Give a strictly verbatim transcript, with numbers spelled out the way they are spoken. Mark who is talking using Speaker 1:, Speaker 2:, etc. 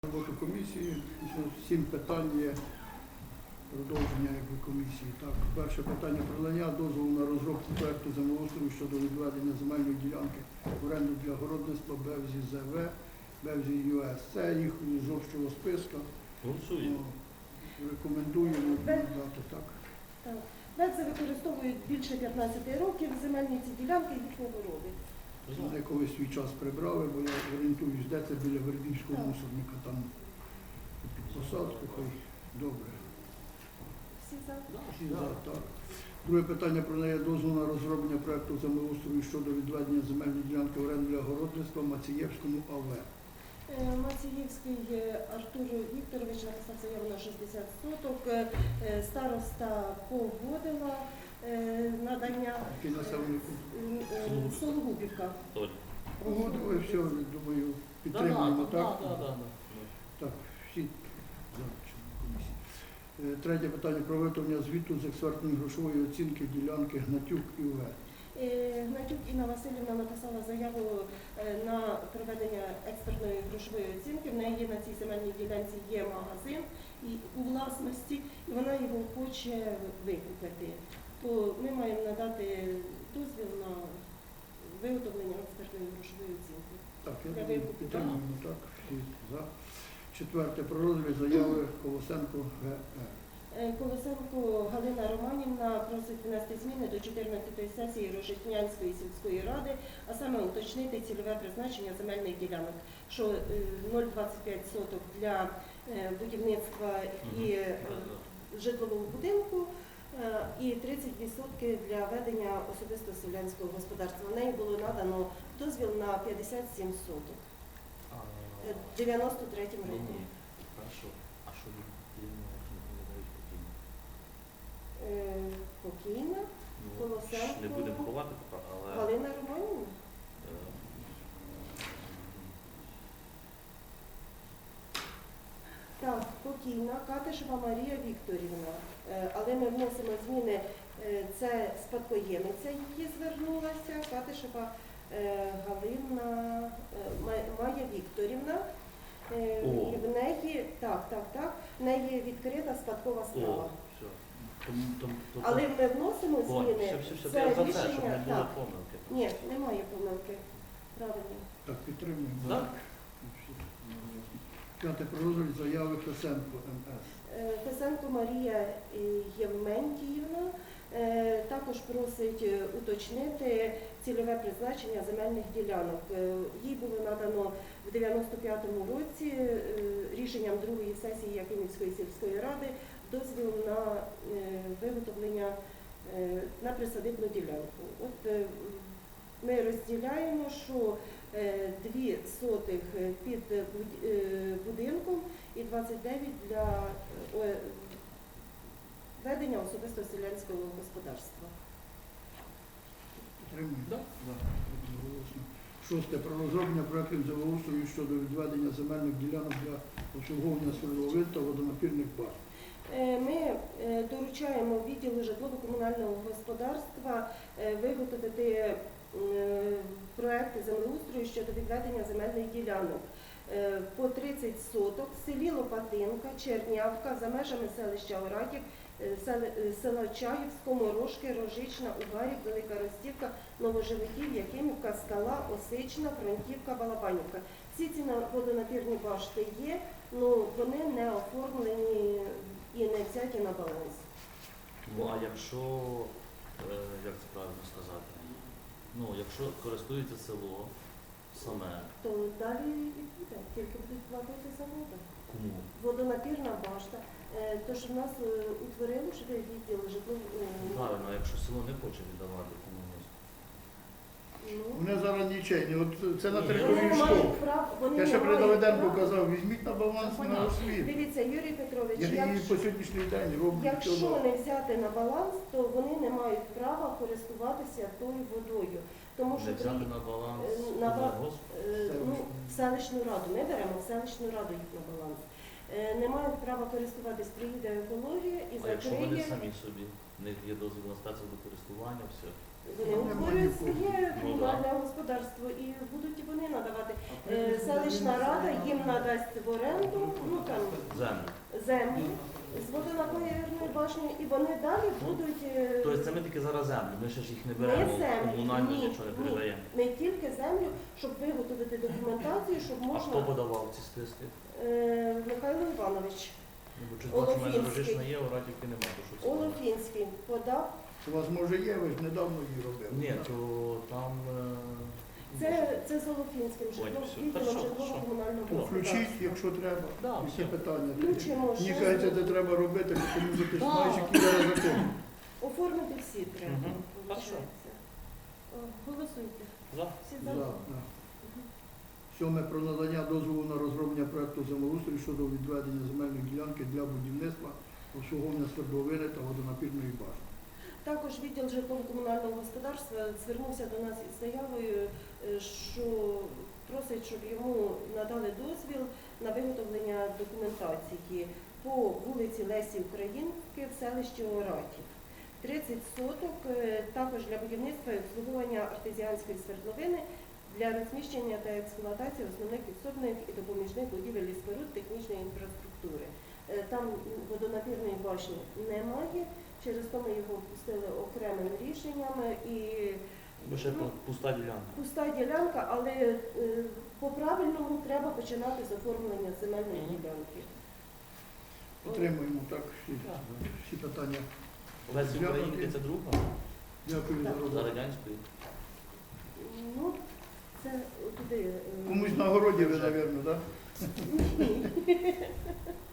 Speaker 1: Роботу комісії, сім питань є продовження якби, комісії. Так, перше питання про надання дозволу на розробку проекту землеустрою щодо відведення земельної ділянки в оренду для городництва Бевзі ЗВ, Бевзі ЮС. Це їх з общого списка.
Speaker 2: Голосуємо.
Speaker 1: Рекомендуємо надати так.
Speaker 3: Так. Бевзи використовують більше п'ятнадцяти років земельні ці ділянки їхні городи.
Speaker 1: Вони колись свій час прибрали, бо я орієнтуюсь, де це біля Вербівського
Speaker 3: Так.
Speaker 1: мусорника, там під посадку, хай добре.
Speaker 3: Всі за?
Speaker 1: Всі за, так. Друге питання про неї дозволу на розроблення проекту землеустрою щодо відведення земельної ділянки в оренду для городництва Мацієвському А В.
Speaker 3: Е, Мацієвський е, Артур Вікторович написав заяву на шістдесят соток. Е, е, Староста погодила е, надання
Speaker 1: Який населений пункт?
Speaker 3: е, е, Сологубівка.
Speaker 2: Толь.
Speaker 1: Погодили, все, думаю, підтримуємо,
Speaker 2: Да,
Speaker 1: так?
Speaker 2: да, да, да.
Speaker 1: Так, всі за члени комісії. Е, Третє питання про виготовлення звіту з експертної грошової оцінки ділянки Гнатюк І В.
Speaker 3: Е, Гнатюк Інна Васильівна написала заяву е, на проведення експертної грошової оцінки. В неї на цій земельній ділянці є магазин і у власності, і вона його хоче викупити. То ми маємо надати дозвіл на виготовлення експертної грошової оцінки.
Speaker 1: Так, я
Speaker 3: Для
Speaker 1: думаю,
Speaker 3: викупу,
Speaker 1: підтримуємо, так, всі за. Четверте про розгляд заяви Колосенко Г Е.
Speaker 3: Е, Колосенко Галина Романівна просить внести зміни до чотирнадцятої сесії Рожетнянської сільської ради, а саме уточнити цільове призначення земельних ділянок, що е, нуль цілих двадцять п'ять соток для е, будівництва і е, житлового будинку е, і тридцять відсотків для ведення особисто селянського господарства. В неї було надано дозвіл на п'ятдесят сім соток е, в дев'яносто третьому
Speaker 2: Ні,
Speaker 3: році.
Speaker 2: ні. Хорошо. А що ви покійно?
Speaker 3: Е, Покійна
Speaker 2: Ну,
Speaker 3: Колосенко.
Speaker 2: не будемо ховати поки, але...
Speaker 3: Галина Романівна.
Speaker 2: е,
Speaker 3: Так, покійна Катишева Марія Вікторівна. Е, Але ми вносимо зміни, е, це спадкоємиця її звернулася, Катишева е, Галина е, Ма- Майя Вікторівна. Е,
Speaker 2: О.
Speaker 3: І в неї, так, так, так, в неї відкрита спадкова
Speaker 2: О,
Speaker 3: справа.
Speaker 2: все. Тому, тому, тому,
Speaker 3: Але ми вносимо
Speaker 2: О,
Speaker 3: зміни,
Speaker 2: все, все, все,
Speaker 3: це
Speaker 2: я за це, щоб не
Speaker 3: рішення,
Speaker 2: було
Speaker 3: так.
Speaker 2: помилки.
Speaker 3: Ні, немає помилки. Правильно.
Speaker 1: Так, підтримуємо.
Speaker 2: Так.
Speaker 1: Всі одноголосно. П'яте про розгляд заяви Фесенко М С.
Speaker 3: Е, Фесенко Марія е, Євментіївна е, також просить е, уточнити цільове призначення земельних ділянок. Е, Їй було надано в дев'яносто п'ятому році е, рішенням другої сесії Якимівської сільської ради дозвіл на е, виготовлення е, на присадибну ділянку. От е, ми розділяємо, що е, дві сотих під буд- е, будинком і двадцять дев'ять для е, ведення особисто селянського господарства.
Speaker 1: Підтримуємо.
Speaker 2: Да.
Speaker 1: За. Одноголосно. Шосте про розроблення проектів землеустрою щодо відведення земельних ділянок для обслуговування свердловин та водонапірних баз.
Speaker 3: Е, Ми е, доручаємо відділу житлово-комунального господарства е, виготовити е, проекти землеустрою щодо відведення земельних ділянок е, по тридцять соток в селі Лопатинка, Чернявка, за межами селища Оратів, е, сел- е, села Чаївсько, Морошки, Рожична, Угарів, Велика Ростівка, Новоживиків, Якимівка, Скала, Осична, Фронтівка, Балабанівка. Всі ці на- водонапірні башти є, але вони не оформлені і не взяті на баланс.
Speaker 2: Ну, а якщо, е, як це правильно сказати, ну, якщо користується село саме,
Speaker 3: То далі і буде, тільки будуть платити за воду.
Speaker 2: кому?
Speaker 3: Водонапірна башта. Е, Тож в нас е, утворили вже відділ житлового.
Speaker 2: Правильно, а якщо село не хоче віддавати комусь.
Speaker 1: Вони зараз нічейні. От це на
Speaker 2: Ні.
Speaker 1: території
Speaker 3: Вони не
Speaker 1: школи.
Speaker 3: мають прав, вони
Speaker 1: Я ще
Speaker 3: не
Speaker 1: при
Speaker 3: мають
Speaker 1: Давиденку
Speaker 3: права.
Speaker 1: казав, візьміть на баланс на
Speaker 2: Понятно.
Speaker 1: освіту.
Speaker 3: Дивіться, Юрій Петрович,
Speaker 1: Я її
Speaker 3: якщо,
Speaker 1: по сьогоднішній день роблю.
Speaker 3: якщо
Speaker 1: чудово.
Speaker 3: не взяти на баланс, то вони не мають права користуватися тою водою. Тому що
Speaker 2: Не взяти
Speaker 3: при-
Speaker 2: на баланс
Speaker 3: е, на ба-
Speaker 2: колгосп?
Speaker 3: Е, ну, в селищну раду. Ми беремо в селищну раду їх на баланс. Е, Не мають права користуватись, приїде екологія і
Speaker 2: А якщо вони
Speaker 3: закриє.
Speaker 2: самі собі, в них є дозвіл на спецводокористування, все.
Speaker 3: Вони
Speaker 1: Немає
Speaker 3: утворюють
Speaker 1: нікого.
Speaker 3: своє
Speaker 2: Ну,
Speaker 3: комунальне господарство і будуть і вони надавати. Е, Селищна рада їм надасть в оренду, ну там
Speaker 2: Землю.
Speaker 3: землю з водонапірної башні, і вони далі будуть е,
Speaker 2: Тобто це ми тільки зараз землю, ми ще ж їх не
Speaker 3: Не
Speaker 2: беремо,
Speaker 3: землю,
Speaker 2: комунальну
Speaker 3: ні,
Speaker 2: нічого не
Speaker 3: ні.
Speaker 2: передаємо.
Speaker 3: не тільки землю, щоб виготовити документацію, щоб
Speaker 2: А хто
Speaker 3: можна
Speaker 2: подавав ці списки?
Speaker 3: е, Михайло Іванович
Speaker 2: Ну, бо чуть бачу, в мене
Speaker 3: Олофінський.
Speaker 2: рожишна є, оратівки немає, то що це?
Speaker 3: Олофінський подав.
Speaker 1: У вас може є, ви ж недавно її робили.
Speaker 2: Ні, то там... е,
Speaker 3: Це, це з Олофінським
Speaker 2: Ой,
Speaker 3: житлом,
Speaker 2: все.
Speaker 3: відділом
Speaker 2: Хорошо,
Speaker 3: житлово-комунального
Speaker 1: То включіть,
Speaker 3: господарства.
Speaker 1: якщо треба.
Speaker 2: Да,
Speaker 1: Які
Speaker 2: все.
Speaker 1: питання?
Speaker 3: Включимо,
Speaker 1: Мені
Speaker 3: що
Speaker 1: кажеться,
Speaker 3: з-
Speaker 1: це треба робити, тому що ти ж
Speaker 2: Да.
Speaker 1: знаєш, які зараз закони.
Speaker 3: Оформити всі треба,
Speaker 2: Мгм.
Speaker 3: виходить. О, Голосуйте.
Speaker 2: За.
Speaker 3: Всі
Speaker 1: За,
Speaker 3: за?
Speaker 1: да. Сьоме про надання дозволу на розроблення проекту землеустрою щодо відведення земельної ділянки для будівництва, обслуговування свердловини та водонапірної башни.
Speaker 3: Також відділ житлово-комунального господарства звернувся до нас із заявою, е, що просить, щоб йому надали дозвіл на виготовлення документації по вулиці Лесі Українки в селищі Оратів. тридцять соток е, також для будівництва і обслуговування артезіанської свердловини для розміщення та експлуатації основних підсобних і допоміжних будівель і споруд технічної інфраструктури. Е, Там водонапірної башні немає, через то ми його пустили окремим рішенням і
Speaker 2: Бо ще
Speaker 3: ну,
Speaker 2: пуста ділянка.
Speaker 3: пуста ділянка, але е, по-правильному треба починати з оформлення земельної
Speaker 2: Мгм.
Speaker 3: ділянки.
Speaker 1: Підтримуємо так всі, всі питання.
Speaker 2: Лесі
Speaker 1: Дякую.
Speaker 2: Українки це друга,
Speaker 1: Дякую за
Speaker 3: Так.
Speaker 2: за
Speaker 1: роботу.
Speaker 2: радянською.
Speaker 3: Ну, це туди. е,
Speaker 1: Комусь на городі ви, мабуть, так?
Speaker 3: Ні.